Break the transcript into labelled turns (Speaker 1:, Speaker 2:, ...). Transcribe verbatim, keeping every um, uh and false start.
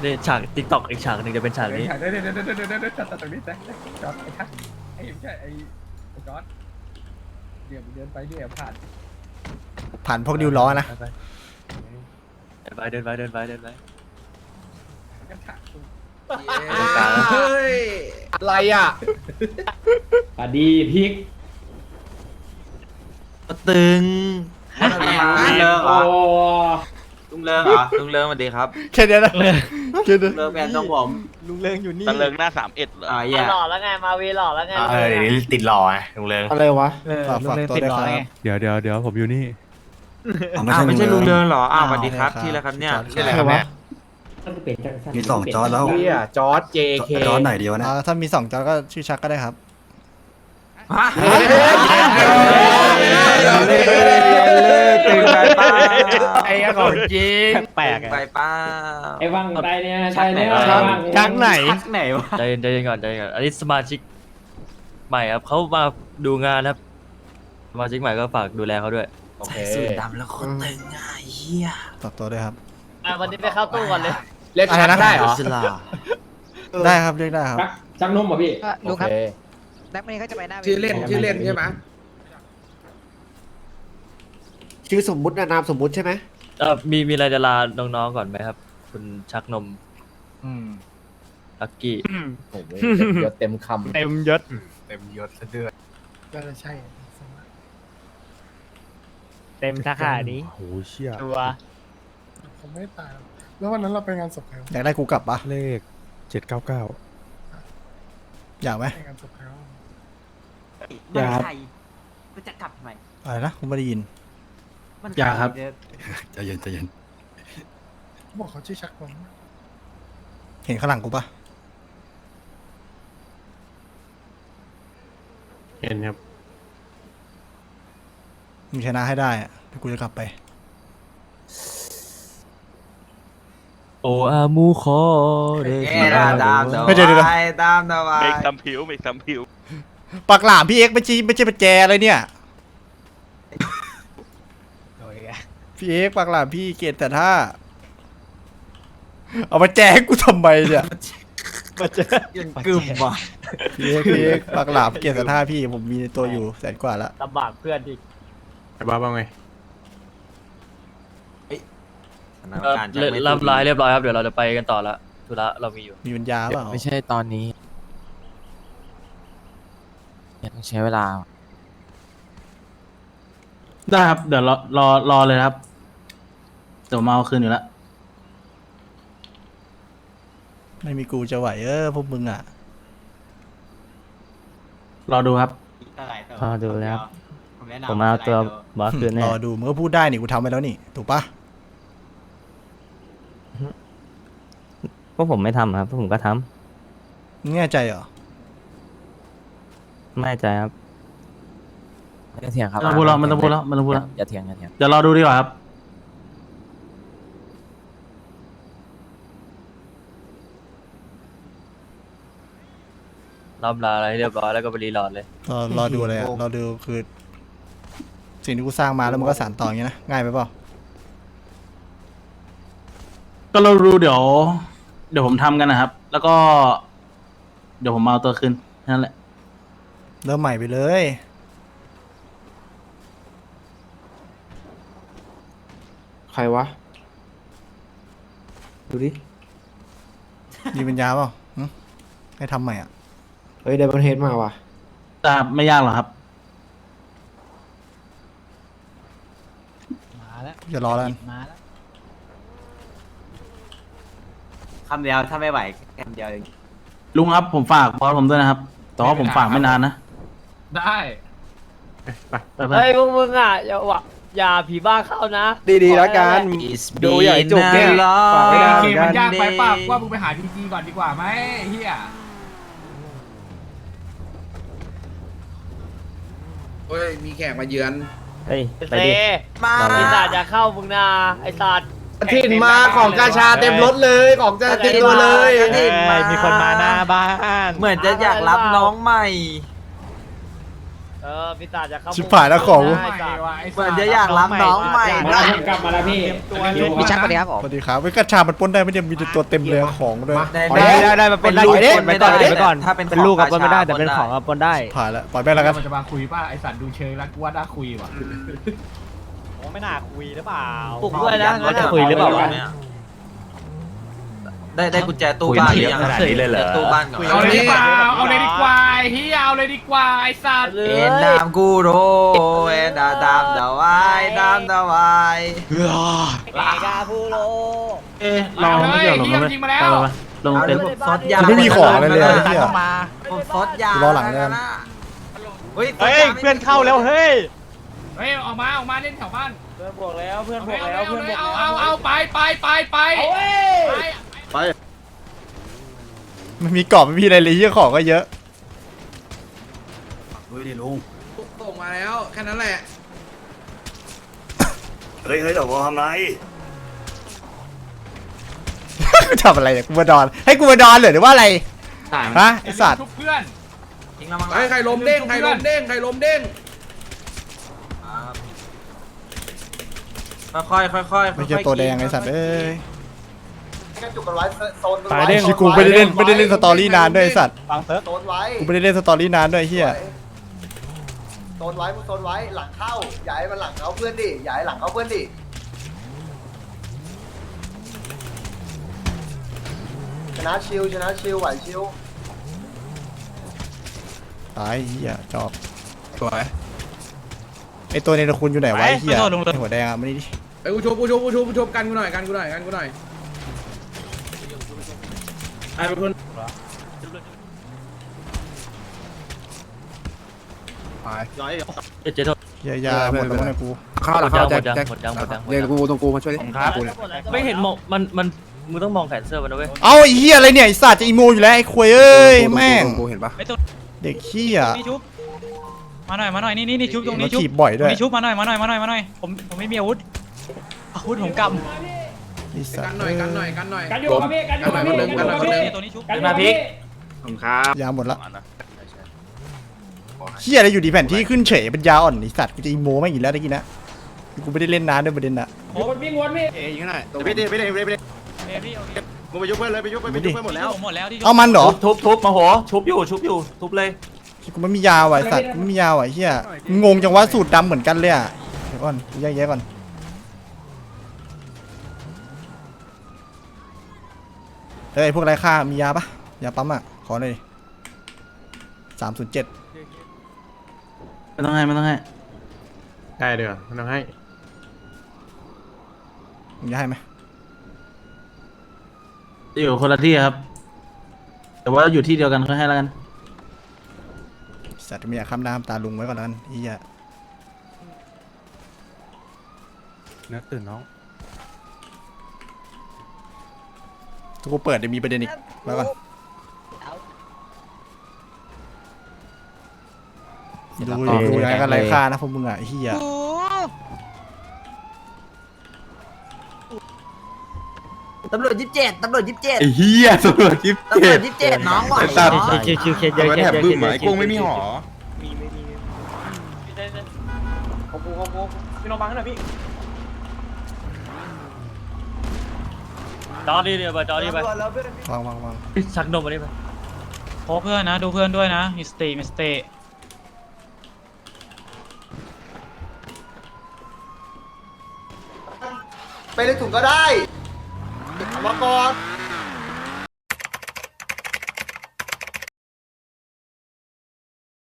Speaker 1: นี่ฉากติ๊กต็อกอีกฉากหนึ่งจะเป็นฉากนี้
Speaker 2: เดี๋ยวเดี๋ยวเดี๋ยวเดี๋ยวเดี๋ยวเดี๋ยวจอดตรงนี้แจ็คจอดไอ้ทักไอ้ไม่ใช่ไอ้ไอ้จอดเดี๋ยวเดินไปเดี๋ยวผ่าน
Speaker 3: ผ่านพวกดิวล้อนะ
Speaker 1: ไปเดินไปเดินไปเดินไป
Speaker 2: กันถักกู
Speaker 4: เฮ้ย
Speaker 5: อะไรอ่ะ
Speaker 6: อดีพริก
Speaker 7: ตึง
Speaker 4: ลุงเลิกเหร
Speaker 6: โอ้
Speaker 4: อลุงเลิกเหรอลุงเลิกสวัสดีครับ
Speaker 3: แค่เนี้ยนะแค่เนี้ย
Speaker 4: เลิกแฟนต้องผม
Speaker 7: ลุงเลิงอยู่นี่
Speaker 8: ตะเลิงหน้าสามเอ็ดเหรอ
Speaker 4: อ่าแย่
Speaker 9: หล่อแล้วไงมาวีหล่อแล้วไง
Speaker 7: เออเดี๋ยวนี้ติดหล่อไงลุงเลิง
Speaker 5: อะไรวะ
Speaker 3: ฝากฝากตัวด้วยครับ
Speaker 10: เดี๋ยวเดี๋ยวเดี๋ยวผมอยู่นี่
Speaker 4: อ้าวไม่ใช่ลุงเลิกเหรออ้าวสวัสดีครับที่แล้วครับเนี่ย
Speaker 3: ชื่ออะไรครับเนี่ย
Speaker 6: มีสองจอแล้ว
Speaker 5: เฮียจอร์ด เจ เค
Speaker 7: จอไหนดีวะนะ
Speaker 3: อ่าถ้ามีสองจอก็ชื่อชักก็ได้ครับ
Speaker 4: ฮะตึงไปป้า
Speaker 5: ไอ้ของจริง
Speaker 1: แปลก
Speaker 4: ไปป้า
Speaker 6: ไอ้วังไปเนี่ยใช่เนี่ย
Speaker 7: จังไหน
Speaker 4: ชักไหนวะ
Speaker 1: ใจเย็นใจเย็นก่อนใจเย็นก่อนอันนี้สมาชิกใหม่ครับเขามาดูงานครับสมาชิกใหม่ก็ฝากดูแลเขาด้วย
Speaker 5: โอเค
Speaker 7: สูตรดำแล้วคนตึงอ่ะเฮีย
Speaker 3: ฝากตัวด้วยครับ
Speaker 9: อ่ะวันนี้ไปเข้าตู้ก่อนเลย
Speaker 5: เรียกชักได้เหรอ
Speaker 7: สลา
Speaker 3: ได้ครับเรียกได้ครับ
Speaker 6: ชักชักนุ่มป่ะพี่
Speaker 5: ลุงครับ
Speaker 9: แบ็คเมย์ก็จะไปหน้า
Speaker 5: ชื่อเล่นชื่อเล่นใช่ไหมชื่อสมมุตินะนามสมมุติใช่ไหม
Speaker 1: เออมีมีอะไรจะลาน้องๆก่อนไหมครับ คุณชักนมลักกี้
Speaker 5: โอ้โหเยอะเต็มคำ
Speaker 10: เต็มยศ
Speaker 7: เต็มยศซะด้วย
Speaker 2: ก็ใช่
Speaker 10: เต็มสาขานี้โอ้เชี่ย
Speaker 9: ตัว
Speaker 2: ผมไม่ตายแล้ววันนั้นเราไปงานศพใคร
Speaker 3: อยากได้กูกลับปะ
Speaker 10: เลขเจ็ดเก้าเก้า
Speaker 3: อยากไหม
Speaker 2: ไปงานศพใคร
Speaker 4: ไม่ใช่ก็จะกลับทำไม
Speaker 3: อะไรนะผมไม่ได้ยิน
Speaker 4: อยากครับ
Speaker 7: ใจเย็นใจเย็น
Speaker 2: บอกเขาชื่อชักผม
Speaker 3: เห็นข้างหลังกูปะ
Speaker 10: เห็นครับ
Speaker 3: มึงชนะให้ได้อะเดี๋ยวกูจะกลับไป
Speaker 1: โออามูคอเด
Speaker 4: เอ๊ะตามตามตาม
Speaker 3: ไม่เดี๋ยวเดี๋ยว
Speaker 4: ตามตาม
Speaker 8: เมกซัมผิวเมกซัมผิว
Speaker 3: ปากหลามพี่เอ็กซ์ไม่ใช่ไม่ใช่ประแจอะไรเนี่ยพี่เอ็กซ์ปากหลามพี่เกตแต่ถ้า เอามาแจกกูทำไมเนี่ย
Speaker 4: ยังกึ่มว่ะ
Speaker 3: พี่เอ็กซ์พี่เอ็กซ์ปากหลามเกตแต่ถ้าพี่ผมมีตัวอยู่แสนกว่าละ
Speaker 9: ลำบากเพื่อนอีก
Speaker 10: ไอ้บ้าบ้างไง
Speaker 1: เอ่อเรียบรับร้ายเรียบร้อยครับเดี๋ยวเราจะไปกันต่อละธุระเรามีอยู่
Speaker 3: มีปัญญาเปล่า
Speaker 7: ไม่ใช่ตอนนี้ต้องใช้เวลา
Speaker 11: ได้ครับ เดี๋ยวรอรอรอเลยครับเดี๋ยวมาเอาคืนอยู่แล้ว
Speaker 3: ไม่มีกูจะไหวเออพวกมึงอ่ะ
Speaker 11: รอดูครับ
Speaker 6: พอดูแล้ว
Speaker 4: ผมแนะนำ
Speaker 6: ผมเอาตัวบอสคืน
Speaker 3: ร
Speaker 6: แน่
Speaker 3: อดูมึงก็พูดได้นี่กูทำไปแล้วนี่ถูกปะ
Speaker 6: พวกผมไม่ทำครับพวกผมก็ท
Speaker 3: มึงแน่ใจเหรอ
Speaker 6: ำไม่ใจครับ
Speaker 7: ไม่ต้องเถียงครับ
Speaker 11: ไม่ต้องพูดแล้วไม่ต้องพูดแล้วไม่ต้องพูดแล้ว
Speaker 7: อย่าเถียงอย่าเถียง
Speaker 11: เดี๋ยวรอดูดีกว่าครับ
Speaker 1: รับลาอะไรให้เรียบร้อยแล้วก็ไปรีโหลดเลย
Speaker 3: รอรอดูอะไรอ่ะรอดูคือ สิ่งที่กูสร้างมาแล้วมันก็สานต่ออย่างเงี้ยนะง่ายไปเปล่า
Speaker 11: ก็เราดูเดี๋ยว เดี๋ยวผมทำกันนะครับ แล้วก็ เดี๋ยวผมมาเอาตัวคืนนั่นแหละ
Speaker 3: เริ่มใหม่ไปเลย
Speaker 5: ใครวะ ดูดิ
Speaker 3: มีปัญญาเปล่าหึให้ทำใหม่อ่ะ
Speaker 5: เฮ้ยเดบันเฮดมาว่ะ
Speaker 11: แต่ไม่ยากหรอกครับ
Speaker 3: กูจะรอแล้วกัน
Speaker 4: คำเดียวถ้าไม่ไหวคำเดียวเอง
Speaker 11: ลุงครับผมฝากบอสผมด้วยนะครับ แต่ว่าผมฝากไม่นานนะ
Speaker 2: ได้
Speaker 11: ไปไปไป
Speaker 9: เฮ้ยพวกมึงอ่ะอย่าหวะอย่าผีบ้าเข้านะ
Speaker 5: ดีๆแล้วกัน ดูใหญ่จุกเนี่ยฝากไม่ได้เหมือนกัน
Speaker 2: ยากไปป่ะว่ามึงไปหาพีจีก่อนดีกว่าไหมเฮีย
Speaker 5: เฮ้ย มีแขกมาเยือน
Speaker 6: เฮ้ย
Speaker 9: ไอ้
Speaker 6: ไป
Speaker 9: เซ่
Speaker 6: ดิ
Speaker 4: มา
Speaker 9: ไอ้สัตว์อย่าเข้ามึงนาไอ้สัตว์
Speaker 5: ถิ่นมาของกาชาเต็มรถเลยของจะเต็มตัวเลย
Speaker 4: มีคนมาหน้าบ้าน เหมือนจะอยากรับน้องใหม่
Speaker 9: เเออพี่ตาจะเข้า
Speaker 3: ชิบหายแล้วของ
Speaker 9: ไอ้สัตว์
Speaker 4: เหมือนจะอยากรับน้องใหม่
Speaker 2: มาแล้วกลับมาแล้วพี่
Speaker 9: มีชักปะเนี่ยครับผม
Speaker 3: สวัสดีครับเว้ยกระชามันปล้นได้ไม่ได้มีแต่ตัวเต็มเลยของด้วย
Speaker 6: ได้ได้ได้มันเป็นลูกปนไปก่อนไปก่อน
Speaker 4: ถ้าเป็น
Speaker 6: เป็นลูกกับปนไม่ได้แต่เป็นของกับปนได้
Speaker 3: ผ่านแล้วปล่อยแม่งแล้วกัน
Speaker 2: มันจะมาคุยป่ะไอสัตว์ดูเชยแล้วกูว่าน่าคุยว่ะ
Speaker 9: ไม่น่าคุยหรือเปล่า
Speaker 4: ปลุกด้วยนะ
Speaker 6: ว่าจะคุยหรือเปล่าวะ
Speaker 4: ได้ได้กุญแจตู้บ้านหรือยัง
Speaker 5: ขนาดนี้เลยเหรอ
Speaker 4: ตู้บ้านก่อน
Speaker 2: เอาเลยดีกว่าเอาเลยดีกว่าเฮียเอาเลยดีกว่าไอสัตว์
Speaker 4: เอ็นดามกูโรเอ็นดาดามดาวายดามดาวาย
Speaker 9: เมกาพูโร
Speaker 11: เอ๊ะลองไม่เกี่ยวหรอกมั้ยไปไปลงเต็นท์
Speaker 4: ซดยา
Speaker 3: กูไม่มีของอะไรเลยไอ้เหี้ย
Speaker 4: ผมซดยา
Speaker 3: กูรอหลังเลยกัน
Speaker 4: เฮ้ย
Speaker 9: เฮ้ยเพื่อนเข้าแล้วเฮ้ย
Speaker 2: เฮ้ยออกมาออกมาเล่นแถวบ้าน
Speaker 9: เพื่อนบวกแล้วเพื่อนบวก
Speaker 2: เอา
Speaker 9: แล้วเพื่อนบวก
Speaker 2: เอา
Speaker 9: แล้ว
Speaker 2: เอาเอาไปไปไปไปไป
Speaker 3: มันมีกรอบไม่มีอะไรเลยเหี้ยของก็เยอะ
Speaker 2: ส่งมาแล้วแค่นั้นแหละ
Speaker 5: เฮ้ยเฮ้ยเดี๋ยวผมทำไร
Speaker 3: ทำอะไรเนี่ยกูมาดอนให้กูมาดอนเหรอหรือว่าอะไรฮะไอสัตว์
Speaker 2: ทุกเพื่อน
Speaker 4: ทิ้งแล้วมั้ง
Speaker 2: ใครลมเด้งใครลมเด้งใครลมเด้ง
Speaker 4: ค่อยค่อยค่อยๆค่อยๆ
Speaker 3: ไม่เจอตัวแดงไอสัตว์เอ้ย
Speaker 2: จุกกันไว้โซน
Speaker 3: ตายเด้งกูไม่ได้เล่นไม่ได้เล่นสตอรี่นานด้วยไอสัตว์
Speaker 9: ฟังเซิร์ฟ
Speaker 2: โซนไว้
Speaker 3: กูไม่ได้เล่นสตอรี่นานด้วยไอ้เฮีย
Speaker 2: โซนไว้มึงโซนไว้หลังเข้าอย่าให้มันหลังเขาเพื่อนดิอย่าให้หลังเขาเพื่อนดิชนะชิวชนะชิวไหวชิว
Speaker 3: ตายเฮียจอบสวยไอตัวเนรคุณอยู่ไหนวะไอ้เฮียไอ้หัวแดงอ่ะมานี่ดิ
Speaker 2: ไอ้กูชมกูชมกูชมกูชมกันกูหน่อยกันกูหน่อยกันกูหน่อย
Speaker 11: ไอ้เป็นคน
Speaker 1: เจ๊เจ๊โทษ
Speaker 3: เฮียยาหมดแล้วเนี่ยกู
Speaker 1: หมดยังหมดยังหมดยังหมดยังหมดยัง
Speaker 10: กูตรงกูมาช่วย
Speaker 1: ครับไม่เห็นมองมันมันมึงต้องมองแขนเสื้อมันนะเว้ย
Speaker 3: เอาไอ้เฮียอะไรเนี่ยไอสัตว์จะอีโมอยู่แล้วไอ้ควยเอ้ยแม่ง
Speaker 10: กูเห็นปะ
Speaker 3: เด็กเฮีย
Speaker 9: มาหน่อยมาหน่อยนี่นี่นี่ชุบตรง
Speaker 3: มา
Speaker 9: นี้ชุบ
Speaker 3: ถีบบ่อยด้วย
Speaker 9: นี่ชุบมาหน่อยมาหน่อยมาหน่อยมาหน่อยผมผมไม่มีอาวุธอาวุธผมก
Speaker 3: ไอ้สัต
Speaker 2: กัน
Speaker 3: ว์
Speaker 2: หน่อยกันหน่อยกันหน่อย
Speaker 9: กันอยู่ครับพี่กันอยู่ครับพี่
Speaker 2: กันหน่อยคนหนึ่ง
Speaker 9: ตัวนี้ชุบ
Speaker 1: มาพริก
Speaker 10: ผมครับ
Speaker 3: ยาหมดละเฮียอะไรอยู่ดีแผ่นที่ขึ้นเฉยเป็นยาอ่อนไอสัตว์กูจะอีโมไม่งอีกแล้วตะกี้นะกูไม่ได้เล่นนานด้วยประเด็นอะ
Speaker 9: วนวิ่งวนพี่
Speaker 10: เอ้ยยิงหน่อย
Speaker 2: ไม่ได้ไม่ได้ไม่ได้
Speaker 9: เอ้ยพี่โอเค
Speaker 2: มึงไปยุบเพื่อนเลยไปยุบไปยุบเพื่อนหมดแล้ว
Speaker 9: ผมหมดแล้วที่
Speaker 3: เอามันเหรอ
Speaker 5: ทุบทุบมาโหชุบอยู่ชุบอยู่ทุบเลย
Speaker 3: กูไม่มียาว่ะไอ้สัตว์กูไม่มียาว่ะไอ้เฮียงงจังว่าสูตรดำเหมือนกันเลยอ่ะเดี๋ยวก่อนกูแยกแยะก่อนเฮ้ยพวกไรค่ามียาปะยาปั๊มอ่ะขอหน่อยดิสามศูนย์เจ็ด
Speaker 11: ไม่ต้องให้ไม่ต้องให้
Speaker 10: ได้เดี๋ยวมันต้องให้
Speaker 3: มึงจะให้ไหม
Speaker 11: อยู่คนละที่ครับ แต่ว่าอยู่ที่เดียวกันก็ให้แล้วกัน
Speaker 3: สัตว์ไม่อยากข้ามหน้าข้ามตาลุงไว้ก่อนแล้วกันไอ้เฮีย
Speaker 10: นักตื่นน้อง
Speaker 3: ถ้ากูเปิดจะมีประเด็นอีกไว้ก่อนดูดูยังไงกันไรค่านะพวกมึงอ่ะไอ้เฮีย
Speaker 4: ตำรวจยี่สิบเจ็ดตำรวจยี่สิบเจ็ด
Speaker 10: ไอ้เหี้ยตำรวจยิบ
Speaker 4: ตำรวจยี่สิบเจ็ดน้องไหว
Speaker 6: คิวคิวเคสเยอะเคสเยอะเคสเยอะ
Speaker 10: กุ้งไม่มีหอ
Speaker 9: ผมกูผมกูพี่น้องบังให้หน่อยพี่
Speaker 1: จอดีเดียวไปจอดีไป
Speaker 3: วางวางวาง
Speaker 1: ชักนมมาดิไป
Speaker 9: โอ้เพื่อนนะดูเพื่อนด้วยนะมิสเตมิสเต
Speaker 2: ไปในถุงก็ได้มาก่อน